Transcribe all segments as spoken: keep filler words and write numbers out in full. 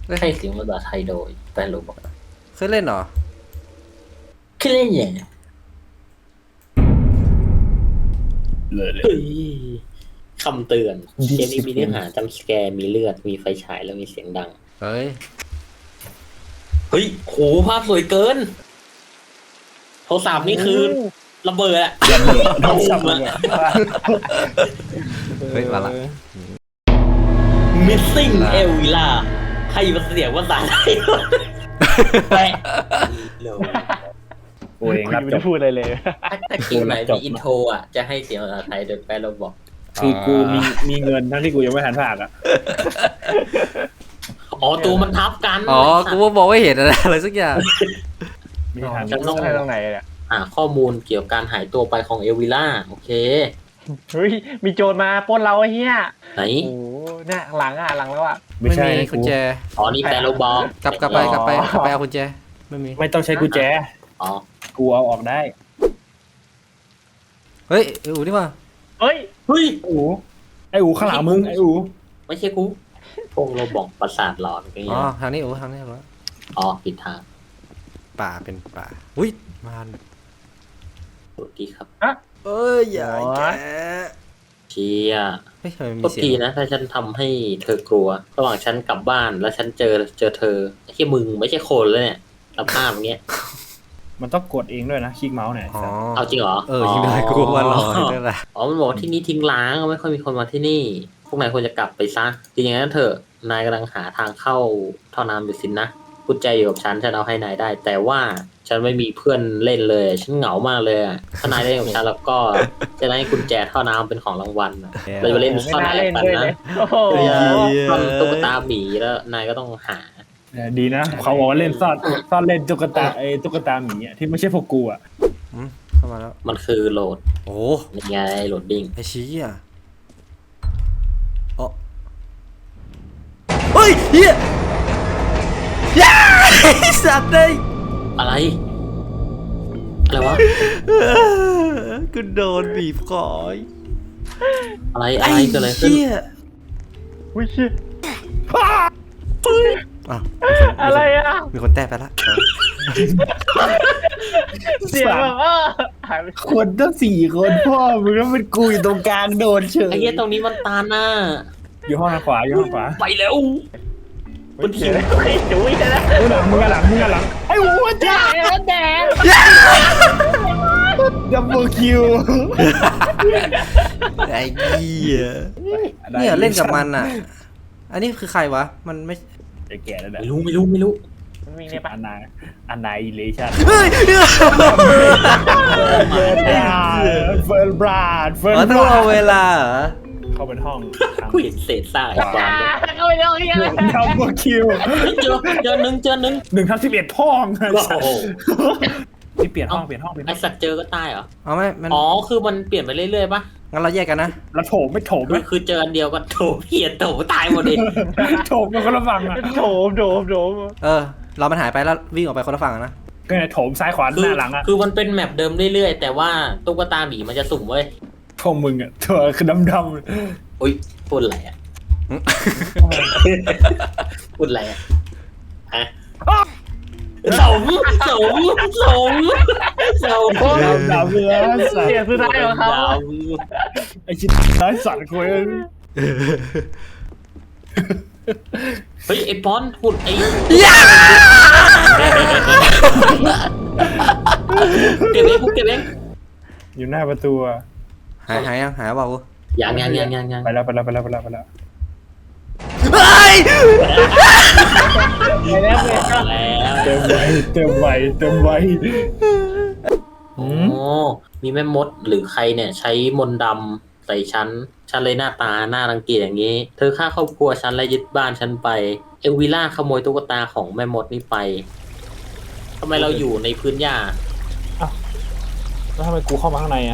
ให้เสียงภาษาไทยโดยแฟนโรบอกเคยเล่นเหรอเคยเล่นอย่างเลยเลยคำเตือนเกมนี้มีเนื้อหาจำสแกร์มีเลือดมีไฟฉายแล้วมีเสียงดังเฮ้ยเฮ้ยโหภาพสวยเกินโทรศัพท์นี่คือระเบิดอะระเบิดโทรศัพท์อะเฮ้ยมาละ missing เอลวิล่าใครมาเสียงภาษาไทยแปะโอ้ยรับจบพูดอะไรเลยถ้าเกมไหนมีอินโทรอ่ะจะให้เสียงภาษาไทยโดยแปลเราบอกคือกูมีมีเงินทั้งที่กูยังไม่ทันภาคอ่ะอ๋อตัวมันทับกันอ๋อกูบอกว่าเห็นอะไรสักอย่างมีทางฉันต้องให้ตรงไหนเนี่ยอ่าข้อมูลเกี่ยวกับการหายตัวไปของเอลวิล่าโอเคเฮ้ยมีโจรมาปล้นเราไอ้เหี้ยไหนโอ้เนี่ยหลังอ่ะหลังแล้วอ่ะไม่ใช่กุญแจอ๋อนี่แปลเราบอกกลับกลับไปกลับไปกลับไปเอากุญแจไม่มีไม่ต้องใช้กุญแจอ๋อกูเอาออกได้เฮ้ยไอ้อูนี่ว่าเฮ้ยเฮ้ยอูไอ้อูข้างหลังมึงไอ้อูไม่ใช่กูพวกเราบอกประสาทหลอนกันอ๋อทางนี้อูทางนี้เหรออ๋อผิดทางป่าเป็นป่าอุ้ยมันสวัสดีครับเอ้ยอย่าแกเชียไม่เคยมีเสียงทีนะถ้าฉันทำให้เธอกลัวระหว่างฉันกลับบ้านแล้วฉันเจอเจอเธอไม่ใช่มึงไม่ใช่คนแล้วเนี่ยสภาพอย่างเงี้ยมันต้องกดเองด้วยนะคลิกเมาส์เนี่ยเอาจริงเหรอเออจริงเลยกูว่ารอนี่แหละอ๋อมันบอกที่นี่ทิ้งร้างไม่ค่อยมีคนมาที่นี่พวกนายควรจะกลับไปซะจริงๆนั้นเถอะนายกำลังหาทางเข้าท่อน้ำอยู่สินะกุญแจอยู่กับฉันฉันเอาให้นายได้แต่ว่าฉันไม่มีเพื่อนเล่นเลยฉันเหงามากเลยถ้านายได้กับฉันแล้วก็จะได้กุญแจท่อน้ำเป็นของรางวัลเราจะเล่นซ่อนแอบกันนะซ่อนตุ๊กตาหมีแล้วนายก็ต้องหาดีนะเขาบอกว่าเล่นซ่อนซ่อนเล่นตุ๊กตาไอ้ตุ๊กตาหมีอ่ะที่ไม่ใช่พวกกูอ่ะเข้ามาแล้วมันคือโหลดโอ้นี่ไงโหลดดิ้งไอชี้อ่ะอ๋อเฮ้ยเฮียย้าสัตว์เลยอะไรอะไรวะกูโดนบีบคอยอะไรอะไรเกิดอะไรขึ้นวิชิอ่ะอะไรอ่ะมีคนแต้ไปละเสียงแบบว่าคนตั้งสี่คนพ่อมึงแล้วมันกูอยู่ตรงกลางโดนเฉยไอ้เหี้ยตรงนี้มันตาหน้าอยู่ห้องทางขวาอยู่ห้องขวาไปแล้วมันหิวไอ้จุ้ยนะมึงหลังมึงหลังมึงหลังไอ้หัวจ้าแดงดับเบิลคิวไอ้เหี้ยเนี่ยเล่นกับมันอ่ะอันนี้คือใครวะมันไม่แก่แล้วนะไม่รู้ไม่รู้ไม่รู้มันมีเนี่ยปะอันนาอันนาอิเลชั่นเฮ้ยเฟิร์นบราดเฟิร์นบราดเอาเวลาเหรอเข้าเป็นห้องกูเห็นเศษซากไอ้ความเข้าไปเลยดับเบิลคิวเจอเจอหนึ่งเจอหนึ่งหนึ่งทับสิบเอ็ดพ่องนี่เปลี่ยนห้องเปลี่ยนห้องเปลี่ยนไอสัตว์เจอก็ตายเหรอเอาไม่อ๋อคือมันเปลี่ยนไปเรื่อยๆป่ะงั้นเราแยกกันนะแล้วโถมไม่โถมไหมคือเจออันเดียวกันโถมเพี้ยนโถมตายหมดเลยโถมมันคนละฝั่งอะโถมโถมโถมเออเรามันหายไปแล้ววิ่งออกไปคนละฝั่งนะก็เนี่ยโถมซ้ายขวาหน้าหลังอะคือมันเป็นแมปเดิมเรื่อยๆแต่ว่าตุ๊กตาหมีมันจะสุ่มเว้ยพวกมึงอะตัวคือดำดำโอ๊ยพูดอะไรอะพูดอะไรอะฮะสมสมสมสมดำดำเลยเสียงสุดท้ายของเขาไอชิ้นท้ายสั่นกูเองเฮ้ยไอปอนหุ่นไอเก็บเองกูเก็บเองอยู่หน้าประตูหายหายยังหายเปล่ากูยังยังยังยังยังไปแล้วไปแล้วไปแล้วไปแล้วไปแล้วเฮ้ยไปแล้วเต็มไวเต็มไวเต็มไวโอ้มีแม่มดหรือใครเนี่ยใช้มนต์ดำใส่ฉันฉันเลยหน้าตาหน้ารังเกียจอย่างนี้เธอฆ่าครอบครัวฉันและยึดบ้านฉันไปเอลวิล่าขโมยตุ๊กตาของแม่มดนี่ไปทำไมเราอยู่ในพื้นหญ้าแล้วทำไมกูเข้ามาข้างในอ่ะ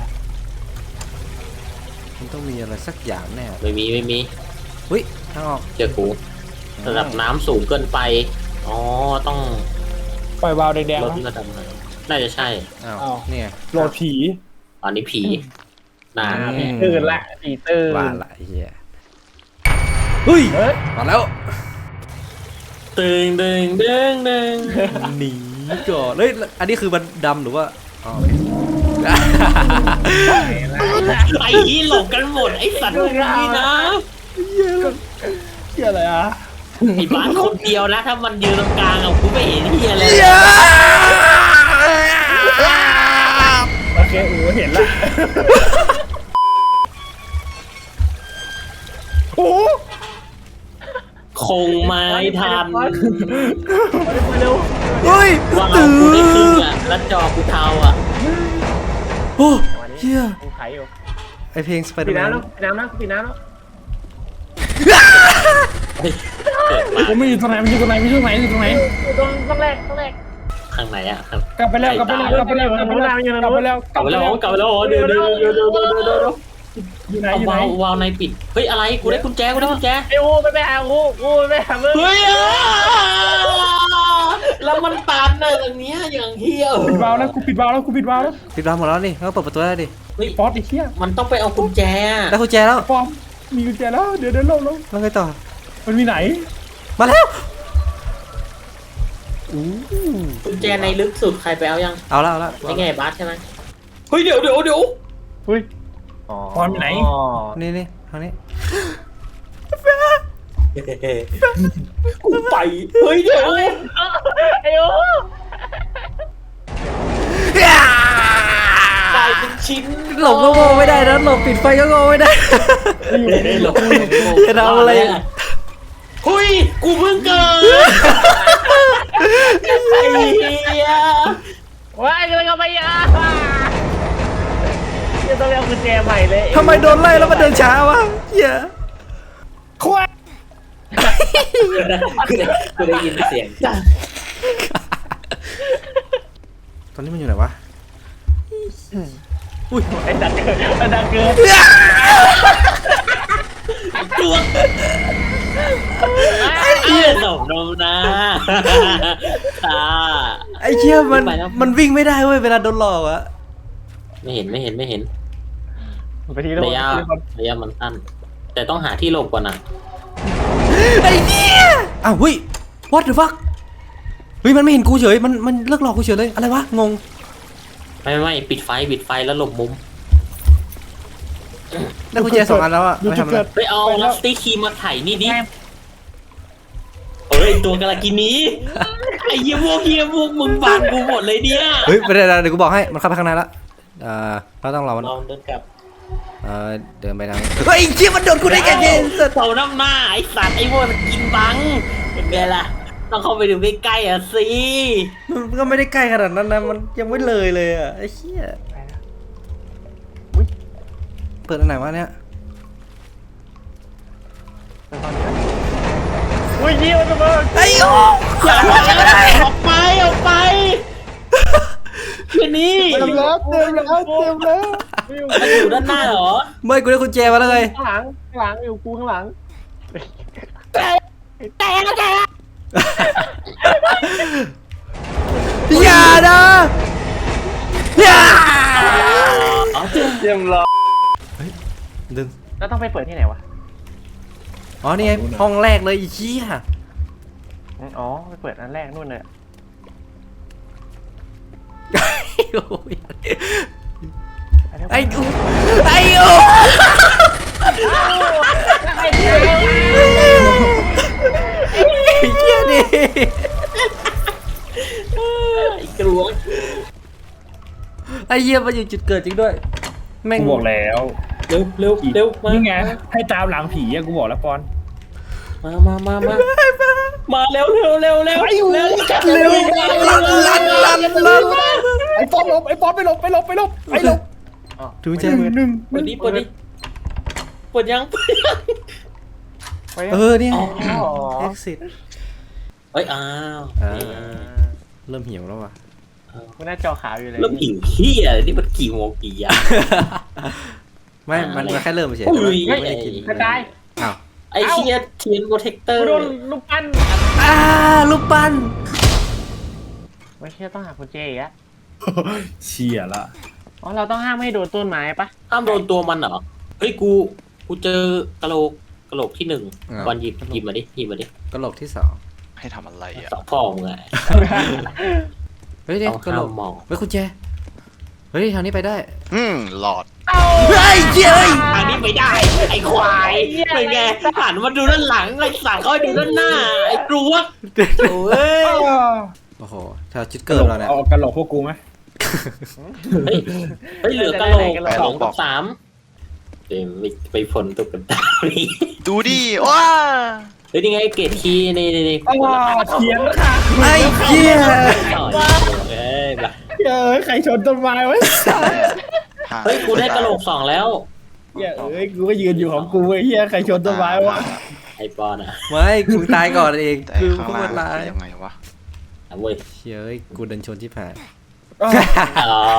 มันต้องมีอะไรสักอย่างแน่ไม่มีไม่มีเฮ้ยทางออกเจอกูระดับน้ำสูงเกินไปอ๋อต้องปล่อยวาล์วแดงๆรถระดับไหนน่าจะใช่อ้าวเนี่ยโหลดผีอันนี้ผีน่าตื่นละผีตื่นว่าละเฮียเฮ้ยมาแล้วตึงดึงดึงดึงหนีก่อนเฮ้ยอันนี้คือมันดำหรือว่าอ๋อโอเคไอ้ที่หลบกันหมดไอ้สัตว์พวกนี้นะเชี่ยอะไรอ่ะไอ้บ้านคนเดียวนะถ้ามันยืนตรงกลางอ่ะกูไม่เห็นเฮียเลยโอเคโอ้เห็นละโอ้คงไม่ทันมาเร็วเฮ้ยว่าตื่เอากูได้ครึ่งนอ่ะแล้วจอกูเทาอ่ะโอ้เฮียกูไขอยู่ไอเพลงสไปเดอปิดร์แมนน้ำแล้วปิดน้ำแล้วปิดน้ำแล้วเฮ้ยเกิดมากูไม่อยู่ตรงไหนไม่อยู่ตรงไหนไม่อยู่ตรงไหนอยู่ตรงไหนตรงต้องแรกต้องแรกข้างไหนอ่ะครับกลับไปแล้วกลับไปแล้วกลับไปแล้วกลับไปแล้วกลับไปแล้วกลับไปแล้วกลับไปแล้วเดี๋ยวเดี๋ยวเดี๋ยวเดี๋ยวเดี๋ยวเดี๋ยวอยู่ไหนเอาอยู่ไหนวาล์ววาล์วในปิดเฮ้ยอะไรกูได้กุญแจกูได้กุญแจไอ้โอ้ไปไปหาโอ้โอ้ไปหามึงเฮ้ยอ่ะแล้วมันตันอะอย่างเนี้ยอย่างเฮี้ยปิดวาล์วแล้วกูปิดวาล์วแล้วกูปิดวาล์วแล้วปิดร้านหมดแล้วนี่แล้วก็เปิดประตูได้ดิเฮ้ยป๊อตไอ้เหี้ยมันต้องไปเอากุญแจอะได้กุญแจแล้วปอมมีกุญแจแล้วเดี๋ยวเดี๋ยวลงลงแล้วไงต่อมันมีไหนมาแล้วอู้กุญแจในลึกสุดใครไปเอายังเอาละเอาละไอ้ไงบาสใช่ไหมเฮ้ยเดี๋ยวเดี๋ยวเดี๋ยวเฮ้ยปอนไปไหนนี่นี่ทางนี้กูไปเฮ้ยเดี๋ยวไอ้โอ้ตายเป็นชิ้นหลบก็โง่ไม่ได้นะหลบปิดไฟก็โง่ไม่ได้หลบจะทำอะไรเฮ้ยกูเพิ่งเกิดไอ้เหี้ยว้ายกำลังเอาไปอ่ะจะต้องเอากุญแจใหม่เลยทำไมโดนไล่แล้วมันเดินช้าวะเฮียควายกูได้ยินเสียงจ้าตอนนี้มันอยู่ไหนวะอุ้ยไอ้ดักเกินไอ้ดักเกินตัวไอ้เหี้ยหนมนมนะตาไอ้เชี่ยมันไปแล้วมันวิ่งไม่ได้เว้ยเวลาโดนหลอกอะไม่เห็นไม่เห็นไม่เห็นไปทีละระยะระยะมันสั้นแต่ต้องหาที่หลบก่อนนะไอ้เหี้ยอ้าวเฮ้ย what the fuck เฮ้ยมันไม่เห็นกูเฉยมันมันเลิกหลอกกูเฉยเลยอะไรวะงงไม่ไม่ปิดไฟปิดไฟแล้วหลบมุมได้กุญแจสองอันแล้วอะดูไม่จุดทำอะไรเกิดไปเอาลัสตี้ครีมมาไถ่นี่ดิเอ้ยตัวกาลากินีไอ้เหี้ยพวกเหี้ยพวกมึงบังกูหมดเลยเนี่ยเฮ้ยไม่ได้เดี๋ยวกูบอกให้มันเข้าไปข้างในละเอ่อเราต้องรอมันลองเดินกลับเอ่อเดินไปทางนี้เฮ้ยเชี่ยมันโดนกูได้ไงเนี่ยสัตว์เสาน้ำหน้าไอ้สัตว์ไอ้พวกมันกินบังเป็นไงล่ะต้องเข้าไปดูใกล้ๆอ่ะสิมันก็ไม่ได้ใกล้ขนาดนั้นนะมันยังไม่เลยเลยอะไอ้เชี่ยเปิดอันไหนวะเนี่ยอุ้ยเยี่ยมมากไอ้โอ้อย่าออกไปออกไปแค่นี้เต็มแล้วเต็มแล้วเต็มแล้วมันอยู่ด้านหน้าเหรอไม่กูได้กุญแจมาแล้วไงข้างหลังข้างหลังอยู่กูข้างหลังอย่านะอย่าอ๋อเยี่ยมเลยดึงแล้วต้องไปเปิดที่ไหนวะอ๋อนี่ไงห้องแรกเลยอีเชี่ยอ๋อไปเปิดอันแรกนู่นเลยไอ้กูไอ้กูไอ้เชี่ยนี่ไอ้กลัวไอ้เหี้ยมาอยู่จุดเกิดจริงด้วยแม่งกูบอกแล้วเร็วเร็วเร็วมานี่ไงให้ตามหลังผีอะกูบอกแล้วปอนมามามามามาเร็วเร็วเร็วเร็วเร็วเร็วลันลันลันลันไอ้ปอนหลบไอ้ปอนไปหลบไปหลบไปหลบไปหลบดูเจหนึ่งหนึ่งเปิดดิเปิดดิเปิดยังเออเนี่ยอ๋อ exit เฮ้ยอ้าวอ่า เริ่มหิวแล้วว่ะมันหน้าจอขาวอยู่เลยแล้วหิวเฮียนี่มันกี่โมงกี่ยามไม่ มันมันแค่เริ่มเฉยอุ้ยไม่ได้กินกระจายอ้าวไอ้เชียเทียนโปรเทคเตอกูร์โดนลูกปั้นอ่าลูกปั้นไม่เชื่อต้องหากุญแจอีกอะเชี่ยละอ๋อเราต้องห้ามไม่ให้โดนต้นไม้ปะห้ามโดนตัวมันเหรอเฮ้ยกูกูเจอกะโหลกกะโหลกที่หนึ่งบอลหยิบหยิบมาดิหยิบมาดิกระโหลกที่สองให้ทำอะไรอ่ะสองพ่อมึงไงเฮ้ยเด็กต้องกระโหลห้าก มมองเฮ้ยคุณแจเฮ้ยทางนี้ไปได้อืมหลอดเฮ้ยเฮ้ยทางนี้ไม่ได้ ไอ้ควายเป็นไงหันมาดูด้านหลังไอ้สัตว์เขาให้ดูด้านหน้า ไอ้กลัวโอ้ยโอ้โหถ้าจุดเกิดเราเนี่ยเอากระโหลกพวกกูไหมเฮ้ยเฮ้ยเหลือกระโหลกสองกับสามเดี๋ยวไปไปผลตุ๊กตานี่ดูดิว้าเฮ้ยนี่ไงเกรดคีย์นี่นี่นี่ว้าเทียนค่ะไอ้เหี้ยต่อยเอ้ยแบบเฮ้ยใครชนต้นไม้ไว้เฮ้ยกูได้กระโหลกสองแล้วเฮ้ยเอ้ยกูก็ยืนอยู่ของกูไอ้เหี้ยใครชนต้นไม้วะไอปอนอ่ะไม่กูตายก่อนเองแต่คือข้างกูล่ามันงร้ายยังไงวะอ่ะเว้ยเชี่ยเอ้ยกูเดินชนที่ผ่านอ๋อ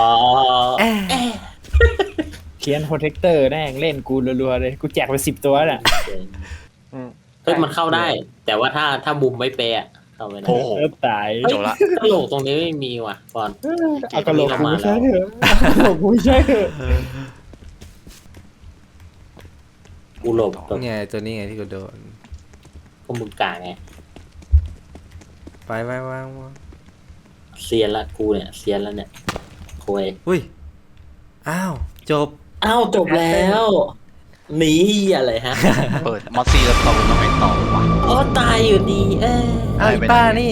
เทียนโปรเทคเตอร์แน่งเล่นกูรัวๆเลยกูแจกไปสิบตัวน่ะเฮ้ยมันเข้าได้ แต่ว่าถ้าถ้ามุมไม่เป๊ะเข้าไม่ได้โอ้โหเออตายเฮ้ยจบละกระโหลกตรงนี้ไม่มีว่ะปอนเอากระโหลกกูไม่ใช่เถอะเอากระโหลกกูไม่ใช่เถอะกูหลบแบบไงตัวนี้ไงที่กูโดนพวกมึงกลางไงไปไปวางวางเซียนละกูเนี่ยเซียนแล้วเนี่ยคุยอุ้ยอ้าวจบอ้าวจบแล้วหนีอะไรฮะเปิดมอสซี่แล้วต่อต้องไปต่อวะอ๋อตายอยู่ดี เอ้ยอ้าวอีป้านี่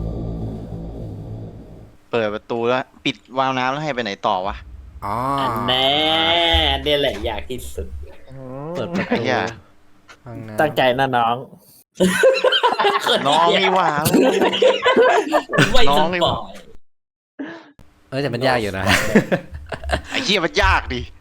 เปิดประตูแล้วปิดวาล์วน้ำแล้วให้ไปไหนต่อวะอ๋ออันแน่เนี่ยแหละอยากที่สุดเปิดประไอ้ตูเหี้ยห้องน้ำตั้งใจนะน้องน้องนี่หว่าไม่น้สองนี่ปหอว่ายเอ้ยแต่มันยากอยู่นะไอ้เหี้ยมันยากดิ